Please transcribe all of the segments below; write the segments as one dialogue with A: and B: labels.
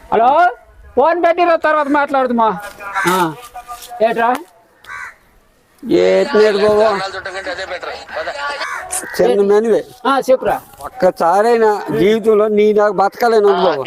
A: Hello phone పెట్టిన తర్వాత మాట్లాడుతుమా ఏట్రా
B: ఏట్లేదు బాబా చిన్న మెనువే
A: చెప్పురా.
B: ఒక్కసారైనా జీవితంలో నీ నాకు బతకాలని బాబు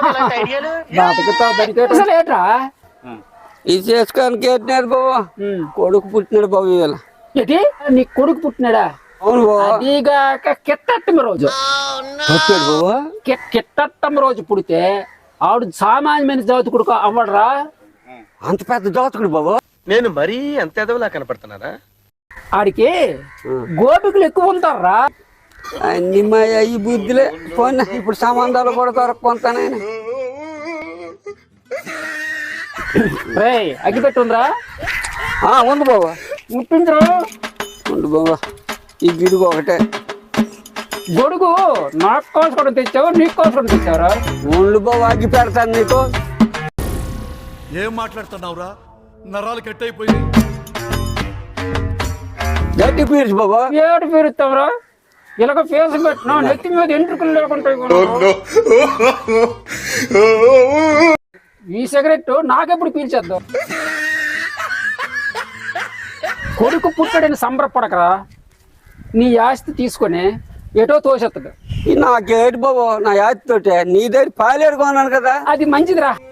A: అసలు ఏట్రా
B: ఇది చేసుకోడానికి ఏట్లేదు బాబా కొడుకు పుట్టినాడు బాబు ఇవాళ.
A: ఏంటి నీ కొడుకు పుట్టినాడా?
B: అవును బాబా.
A: అదిగాక కిట్టట్టమ రోజు
B: పుట్టాడు బాబా.
A: కిట్టట్టమ రోజు పుడితే ఆవిడ సామాన్యమైన జాతి కొడుకు అవ్వడరా?
B: అంత పెద్ద జాతకుడు బాబా.
C: నేను మరీ అంత ఎదవలా కనపడుతున్నారా?
A: ఆడికి గోపికలు ఎక్కువ ఉంటారా?
B: అన్ని మా ఈ బుద్ధిలే పోనీ ఇప్పుడు సంబంధాలు కూడా దొరక్కుంటానైనా.
A: అగ్గిపెట్టి ఉందిరా?
B: ఉంది బాబా.
A: ముట్టించరు
B: ఉండు బాబా. ఈ గిడుగు ఒకటే
A: గొడుగు నాకు కోసుకోవడం తెచ్చావు, నీకు కోసుకోవడం తెచ్చావరా?
B: ఉండు బాబా, అగ్గి పెడతాను నీకు.
D: ఏం మాట్లాడుతున్నావురా? నరాలు కట్ అయిపోయింది.
B: గట్టి పీర్చు బాబా.
A: ఏడు పీరుస్తావురా? ఇలాగ ఫేస్ పెట్టినా నెత్తి మీద ఎంట్రుకలు లేకుండా ఈ సిగరెట్ నాకెప్పుడు పీల్చేద్దాం. కొడుకు పుట్టాడని సంబరపడకరా. నీ ఆస్తి తీసుకొని ఎటో తోసేస్తాడు.
B: నాకేటి బాబా, నా యాతితోటే నీ దగ్గర పాలేరు కొన్నాను కదా.
A: అది మంచిదిరా.